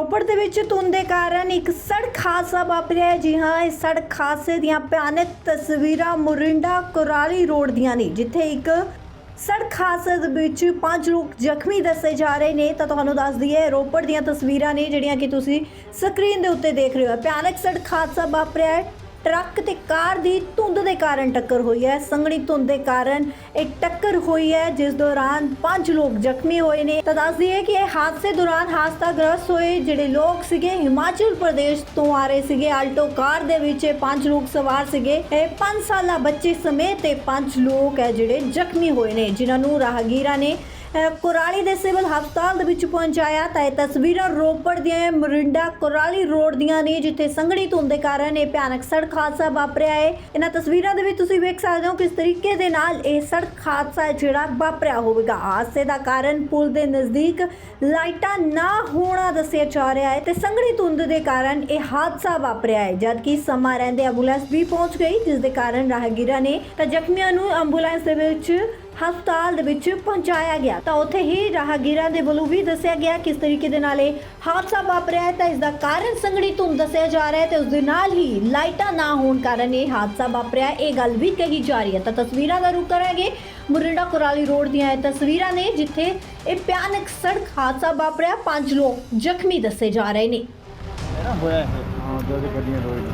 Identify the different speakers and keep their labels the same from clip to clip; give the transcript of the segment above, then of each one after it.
Speaker 1: ਰੋਪੜ ਦੇ ਵਿੱਚ ਧੁੰਦ ਦੇ ਕਾਰਨ ਇੱਕ ਸੜਕ ਹਾਦਸਾ ਵਾਪਰਿਆ ਹੈ। ਜੀ ਹਾਂ, ਇਸ ਸੜਕ ਹਾਦਸੇ ਦੀਆਂ ਭਿਆਨਕ ਤਸਵੀਰਾਂ ਮੋਰਿੰਡਾ ਕੁਰਾਲੀ ਰੋਡ ਦੀਆਂ ਨੇ, ਜਿੱਥੇ ਇੱਕ ਸੜਕ ਹਾਦਸੇ ਦੇ ਵਿੱਚ 5 ਲੋਕ ਜ਼ਖਮੀ ਦੱਸੇ ਜਾ ਰਹੇ ਨੇ। ਤਾਂ ਤੁਹਾਨੂੰ ਦੱਸ ਦਈਏ, ਰੋਪੜ ਦੀਆਂ ਤਸਵੀਰਾਂ ਨੇ ਜਿਹੜੀਆਂ ਕਿ ਤੁਸੀਂ ਸਕਰੀਨ ਦੇ ਉੱਤੇ ਦੇਖ ਰਹੇ ਹੋ। ਭਿਆਨਕ ਸੜਕ ਹਾਦਸਾ ਵਾਪਰਿਆ ਹੈ। ਟਰੱਕ ਤੇ ਕਾਰ ਦੀ ਧੁੰਦ ਦੇ ਕਾਰਨ ਟੱਕਰ ਹੋਈ ਹੈ। ਸੰਘਣੀ ਧੁੰਦ ਦੇ ਕਾਰਨ ਇਹ ਟੱਕਰ ਹੋਈ ਹੈ, ਜਿਸ ਦੌਰਾਨ 5 ਲੋਕ ਜ਼ਖਮੀ ਹੋਏ ਨੇ। ਤਾਂ ਦੱਸ ਦਈਏ ਕਿ ਇਹ ਹਾਦਸੇ ਦੌਰਾਨ ਹਾਦਸਾਗ੍ਰਸਤ ਹੋਏ ਜਿਹੜੇ ਲੋਕ ਸੀਗੇ ਹਿਮਾਚਲ ਪ੍ਰਦੇਸ਼ ਤੋਂ ਆ ਰਹੇ ਸੀਗੇ। ਆਲਟੋ ਕਾਰ ਦੇ ਵਿੱਚ ਇਹ 5 ਲੋਕ ਸਵਾਰ ਸੀਗੇ। ਇਹ 5 ਸਾਲਾ ਬੱਚੇ ਸਮੇਤ ਇਹ 5 ਲੋਕ ਹੈ ਜਿਹੜੇ ਜ਼ਖਮੀ ਹੋਏ ਨੇ, ਜਿਨ੍ਹਾਂ ਨੂੰ ਰਾਹਗੀਰਾਂ ਨੇ ਕੁਰਾਲੀ ਦੇ ਸਿਵਲ ਹਸਪਤਾਲ ਦੇ ਵਿੱਚ ਪਹੁੰਚਾਇਆ। ਤਾਂ ਇਹ ਤਸਵੀਰਾਂ ਰੋਪੜ ਦੀਆਂ ਮੋਰਿੰਡਾ ਕੁਰਾਲੀ ਰੋਡ ਦੀਆਂ ਨੇ, ਜਿੱਥੇ ਸੰਘਣੀ ਧੁੰਦ ਦੇ ਕਾਰਨ ਇਹ ਭਿਆਨਕ ਸੜਕ ਹਾਦਸਾ ਵਾਪਰਿਆ ਹੈ। ਇਹਨਾਂ ਤਸਵੀਰਾਂ ਦੇ ਵਿੱਚ ਤੁਸੀਂ ਵੇਖ ਸਕਦੇ ਹੋ ਕਿਸ ਤਰੀਕੇ ਦੇ ਨਾਲ ਇਹ ਸੜਕ ਹਾਦਸਾ ਜਿਹੜਾ ਵਾਪਰਿਆ ਹੋਵੇਗਾ। ਹਾਦਸੇ ਦਾ ਕਾਰਨ ਪੁਲ ਦੇ ਨਜ਼ਦੀਕ ਲਾਈਟਾਂ ਨਾ ਹੋਣਾ ਦੱਸਿਆ ਜਾ ਰਿਹਾ ਹੈ ਤੇ ਸੰਘਣੀ ਧੁੰਦ ਦੇ ਕਾਰਨ ਇਹ ਹਾਦਸਾ ਵਾਪਰਿਆ ਹੈ। ਜਦਕਿ ਸਮਾਂ ਰਹਿੰਦੇ ਐਂਬੂਲੈਂਸ ਵੀ ਪਹੁੰਚ ਗਈ, ਜਿਸ ਦੇ ਕਾਰਨ ਰਾਹਗੀਰਾਂ ਨੇ ਤਾਂ ਜ਼ਖਮੀਆਂ ਨੂੰ ਐਂਬੂਲੈਂਸ ਦੇ ਵਿੱਚ ਹਸਪਤਾਲ ਦੇ ਵਿੱਚ ਪਹੁੰਚਾਇਆ ਗਿਆ। ਤਾਂ ਉੱਥੇ ਹੀ ਰਾਹਗੀਰਾਂ ਦੇ ਵੱਲੋਂ ਵੀ ਦੱਸਿਆ ਗਿਆ ਕਿਸ ਤਰੀਕੇ ਦੇ ਨਾਲ ਇਹ ਹਾਦਸਾ ਵਾਪਰਿਆ ਹੈ। ਤਾਂ ਇਸ ਦਾ ਕਾਰਨ ਸੰਘਣੀ ਧੁੰਦ ਦੱਸਿਆ ਜਾ ਰਿਹਾ ਹੈ ਤੇ ਉਸ ਦੇ ਨਾਲ ਹੀ ਲਾਈਟਾਂ ਨਾ ਹੋਣ ਕਾਰਨ ਇਹ ਹਾਦਸਾ ਵਾਪਰਿਆ, ਇਹ ਗੱਲ ਵੀ ਕਹੀ ਜਾ ਰਹੀ ਹੈ। ਤਾਂ ਤਸਵੀਰਾਂ ਦਾ ਰੁਖ ਕਰਾਂਗੇ ਮੋਰਿੰਡਾ ਕੁਰਾਲੀ ਰੋਡ ਦੀਆਂ ਇਹ ਤਸਵੀਰਾਂ ਨੇ, ਜਿੱਥੇ ਇਹ ਭਿਆਨਕ ਸੜਕ ਹਾਦਸਾ ਵਾਪਰਿਆ। 5 ਲੋਕ ਜ਼ਖਮੀ ਦੱਸੇ ਜਾ ਰਹੇ ਨੇ।
Speaker 2: ਹੋਇਆ ਹੈ ਹਾਂ, ਜੋ ਗੱਡੀਆਂ ਰੋਡ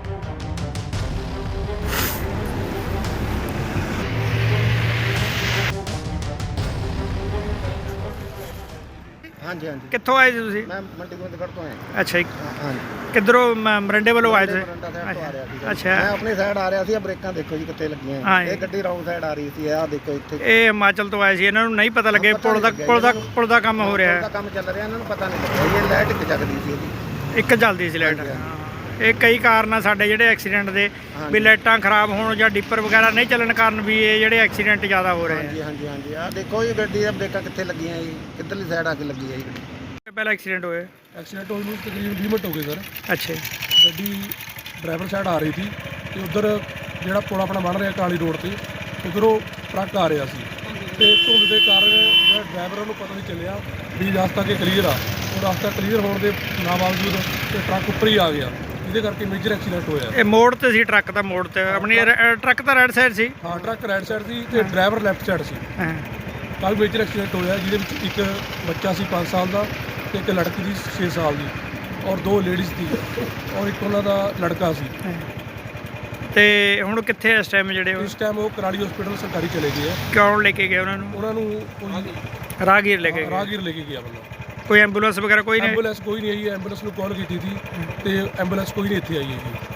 Speaker 2: ਹਾਂਜੀ ਹਾਂਜੀ।
Speaker 3: ਕਿੱਥੋਂ ਆਏ ਸੀ ਤੁਸੀਂ?
Speaker 2: ਮੈਂ ਮੰਡੀ ਗੋਬਿੰਦਗੜ੍ਹ ਤੋਂ ਆਇਆ।
Speaker 3: ਅੱਛਾ ਜੀ,
Speaker 2: ਹਾਂਜੀ,
Speaker 3: ਕਿੱਧਰੋਂ ਮਰਿੰਡੇ ਵੱਲੋਂ ਆਏ ਸੀ?
Speaker 2: ਮੋਰਿੰਡਾ ਸਾਈਡ ਤੋਂ ਆ ਰਿਹਾ ਸੀ।
Speaker 3: ਅੱਛਾ।
Speaker 2: ਮੈਂ ਆਪਣੀ ਸਾਈਡ ਆ ਰਿਹਾ ਸੀ। ਬ੍ਰੇਕਾਂ ਦੇਖੋ ਜੀ ਕਿੱਥੇ ਲੱਗੀਆਂ।
Speaker 3: ਹਾਂ
Speaker 2: ਇਹ ਗੱਡੀ ਰੌਂਗ ਸਾਈਡ ਆ ਰਹੀ ਸੀ। ਆਹ ਦੇਖੋ ਇੱਥੇ
Speaker 3: ਇਹ ਹਿਮਾਚਲ ਤੋਂ ਆਏ ਸੀ, ਇਹਨਾਂ ਨੂੰ ਨਹੀਂ ਪਤਾ ਲੱਗੇ ਪੁਲ ਦਾ ਕੰਮ ਹੋ ਰਿਹਾ
Speaker 2: ਪੁਲ ਦਾ
Speaker 3: ਹੈ।
Speaker 2: ਕੰਮ ਚੱਲ ਰਿਹਾ, ਇਹਨਾਂ ਨੂੰ ਪਤਾ ਨਹੀਂ ਲੱਗਿਆ। ਇਹ ਲਾਈਟ ਇੱਕ ਜਗਦੀ ਸੀ ਇਹਦੀ।
Speaker 3: ਇੱਕ ਜਲਦੀ ਸੀ ਲਾਈਟ। ਇਹ ਕਈ ਕਾਰਨ ਆ ਸਾਡੇ ਜਿਹੜੇ ਐਕਸੀਡੈਂਟ ਦੇ, ਵੀ ਲਾਈਟਾਂ ਖਰਾਬ ਹੋਣ ਜਾਂ ਡਿੱਪਰ ਵਗੈਰਾ ਨਹੀਂ ਚੱਲਣ ਕਾਰਨ ਵੀ ਇਹ ਜਿਹੜੇ ਐਕਸੀਡੈਂਟ ਜ਼ਿਆਦਾ ਹੋ ਰਹੇ
Speaker 2: ਹਾਂਜੀ ਹਾਂਜੀ ਹਾਂਜੀ। ਆਹ ਦੇਖੋ ਜੀ ਗੱਡੀ ਦੀਆਂ ਬ੍ਰੇਕਾਂ ਕਿੱਥੇ ਲੱਗੀਆਂ ਜੀ, ਕਿੱਧਰਲੀ ਸਾਈਡ ਆ ਕੇ ਲੱਗੀ ਹੈ ਜੀ ਗੱਡੀ।
Speaker 3: ਆ। ਪਹਿਲਾਂ ਐਕਸੀਡੈਂਟ ਹੋਏ?
Speaker 4: ਐਕਸੀਡੈਂਟ ਹੋਏ ਨੂੰ ਤਕਰੀਬਨ 20 ਮਿੰਟ ਹੋ ਗਏ ਸਰ।
Speaker 3: ਅੱਛਾ ਜੀ।
Speaker 4: ਗੱਡੀ ਡਰਾਈਵਰ ਸਾਈਡ ਆ ਰਹੀ ਸੀ ਤੇ ਉਧਰ ਜਿਹੜਾ ਪੁਲ ਆਪਣਾ ਬਣ ਰਿਹਾ ਕਾਲੀ ਰੋਡ ਤੇ, ਉਧਰੋਂ ਟਰੱਕ ਆ ਰਿਹਾ ਸੀ ਤੇ ਧੁੰਦ ਦੇ ਕਾਰਨ ਜਿਹੜਾ ਡਰਾਈਵਰ ਨੂੰ ਪਤਾ ਨਹੀਂ ਚੱਲਿਆ ਵੀ ਰਸਤਾ ਕਿ ਕਲੀਅਰ ਆ। ਉਹ ਰਸਤਾ ਕਲੀਅਰ ਹੋਣ ਦੇ ਨਾ ਬਾਵਜੂਦ ਤੇ ਟਰੱਕ ਉੱਪਰ ਹੀ ਆ ਗਿਆ, ਜਿਹਦੇ ਕਰਕੇ ਮੇਜਰ ਐਕਸੀਡੈਂਟ ਹੋਇਆ।
Speaker 3: ਇਹ ਮੋੜ ਤੇ ਸੀ, ਟਰੱਕ ਦਾ ਮੋੜ ਤੇ ਆਪਣੀ ਟਰੱਕ ਤਾਂ ਰਾਈਟ ਸਾਈਡ ਸੀ।
Speaker 4: ਹਾਂ, ਟਰੱਕ ਰਾਈਟ ਸਾਈਡ ਸੀ ਤੇ ਡਰਾਈਵਰ ਲੈਫਟ ਸਾਈਡ ਸੀ।
Speaker 3: ਹਾਂ।
Speaker 4: ਕਾਫੀ ਮੇਜਰ ਐਕਸੀਡੈਂਟ ਹੋਇਆ, ਜਿਹਦੇ ਵਿੱਚ ਇੱਕ ਬੱਚਾ ਸੀ 5 ਸਾਲ ਦਾ ਤੇ ਇੱਕ ਲੜਕੀ ਸੀ 6 ਸਾਲ ਦੀ, ਔਰ 2 ਲੇਡੀਜ਼ ਸੀ ਔਰ ਇੱਕ ਉਹਨਾਂ ਦਾ ਲੜਕਾ ਸੀ।
Speaker 3: ਤੇ ਹੁਣ ਕਿੱਥੇ ਇਸ ਟਾਈਮ ਜਿਹੜੇ
Speaker 4: ਇਸ ਟਾਈਮ ਉਹ ਕਰਾਲੀ ਹਸਪੀਟਲ ਸਰਕਾਰੀ ਚਲੇ ਗਏ ਆ।
Speaker 3: ਕੌਣ ਲੈ ਕੇ ਗਏ ਉਹਨਾਂ ਨੂੰ?
Speaker 4: ਉਹਨਾਂ ਨੂੰ ਕੋਈ
Speaker 3: ਰਾਹਗੀਰ ਲੈ ਕੇ ਗਏ?
Speaker 4: ਰਾਹਗੀਰ ਲੈ ਕੇ ਗਿਆ ਬੰਦਾ।
Speaker 3: ਕੋਈ ਐਂਬੂਲੈਂਸ ਵਗੈਰਾ ਕੋਈ ਨਹੀਂ?
Speaker 4: ਐਂਬੂਲੈਂਸ ਕੋਈ ਨਹੀਂ ਆਈ ਹੈ। ਐਂਬੂਲੈਂਸ ਨੂੰ ਕਾਲ ਕੀਤੀ ਸੀ ਤੇ ਐਂਬੂਲੈਂਸ ਕੋਈ ਨਹੀਂ ਇੱਥੇ ਆਈ ਹੈਗੀ।